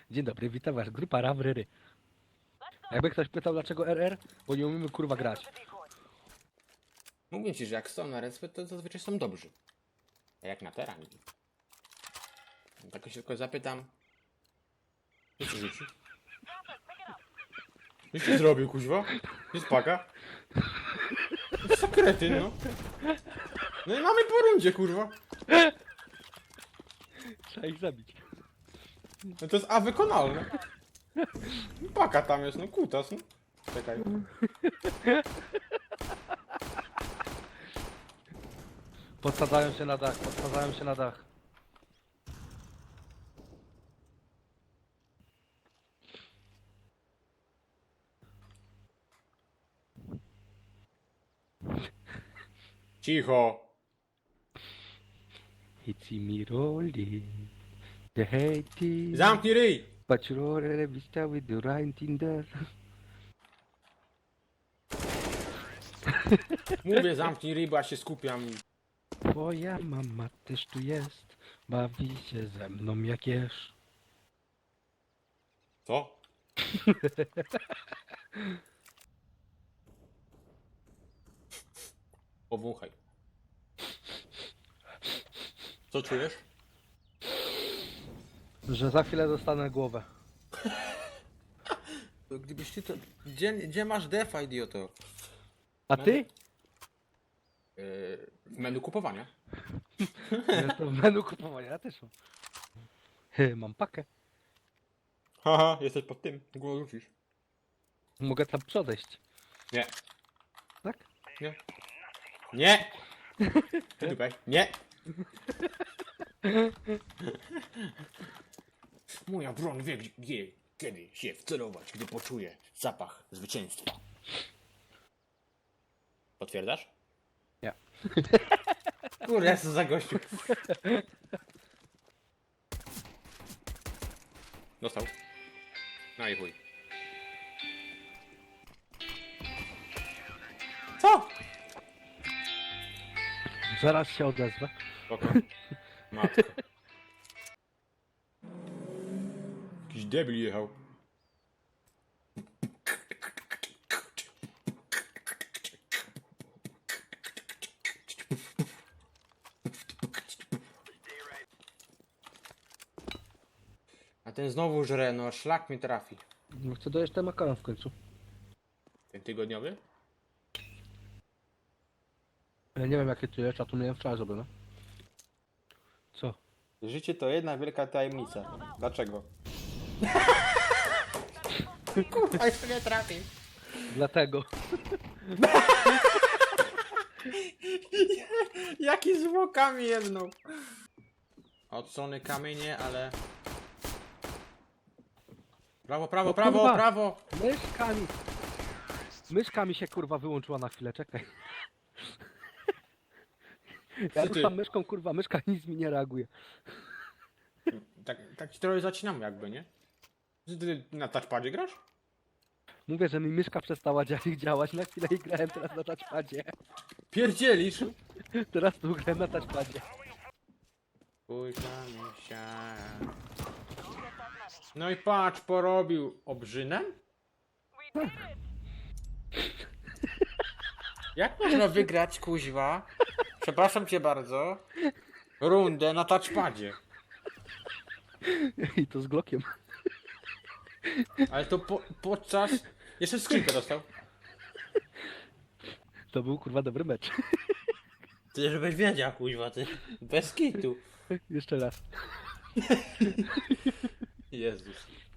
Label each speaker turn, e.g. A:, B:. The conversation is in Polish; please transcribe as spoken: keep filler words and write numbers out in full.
A: Dzień dobry, witam was, grupa Rawryry. Jakby ktoś pytał dlaczego R R, bo nie umiemy kurwa grać.
B: Mówię ci, że jak są na respę, to zazwyczaj są dobrzy. A jak na teranie. Tak się tylko zapytam. Co ci rzuci? Co ci zrobił, kuźwa? Jest paka? Sekrety, no. No i mamy po rundzie, kurwa.
A: Trzeba ich zabić.
B: No to jest A wykonalne. Paka tam jest, no kutas, no. Czekaj.
A: Podsadzają się na dach, podsadzają się na dach.
B: Cicho.
A: It's me rolling. The hate is...
B: Zamknij ryj.
A: But you're already still with the right in there.
B: Mówię, zamknij ryj, bo ja się skupiam.
A: Twoja mama też tu jest. Bawi się ze mną jak jesz.
B: Co? Powąchaj. Co czujesz?
A: Że za chwilę dostanę głowę.
B: Gdybyś ty to... Gdzie, gdzie masz defa, idioto?
A: A ty?
B: Yy, w menu kupowania.
A: Jestem w menu kupowania, ja też mam. Hy, mam pakę.
B: Haha, jesteś pod tym. Głowę rzucisz.
A: Mogę tam podejść.
B: Nie.
A: Tak?
B: Nie. Nie! Dupaj. Nie! Moja broń wie, gdzie, kiedy się wcelować, gdy poczuje zapach zwycięstwa. Potwierdzasz?
A: Nie.
B: Kurde, co za gościu. Dostał. No i chuj. Co?
A: Zaraz się odezwę.
B: Spoko. Matko. Jakiś debil jechał. A ten znowu żre, no szlak mi trafi.
A: No, chcę dojeść ten makaron w końcu.
B: Ten tygodniowy?
A: Ja nie wiem jakie tu jest, a tu miałem wczoraj zrobione. Co?
B: Życie to jedna wielka tajemnica. Dlaczego? Kurwa, jeszcze nie trafi.
A: Dlatego.
B: Jaki zwłokami jedną. Od strony kamienie, ale... Prawo, prawo,
A: O
B: prawo,
A: kurwa.
B: prawo!
A: Myszka mi... Myszka mi się kurwa wyłączyła na chwilę, czekaj. Ja
B: Co ty?
A: ruszam myszką, kurwa, myszka nic mi nie reaguje.
B: Tak, tak ci trochę zacinam jakby, nie? Czy ty na touchpadzie grasz?
A: Mówię, że mi myszka przestała dzia- działać, na chwilę i grałem teraz na touchpadzie.
B: Pierdzielisz?
A: Teraz tu grałem na touchpadzie.
B: Pójrzamy się. No i patrz, porobił obrzynem? Jak można wygrać, kuźwa? Przepraszam cię bardzo. Rundę na touchpadzie.
A: I to z Glockiem.
B: Ale to po, podczas... Jeszcze skrzynkę dostał.
A: To był kurwa dobry mecz.
B: Ty żebyś wiedział, kuźwa, ty. Bez kitu.
A: Jeszcze raz.
B: Jezus.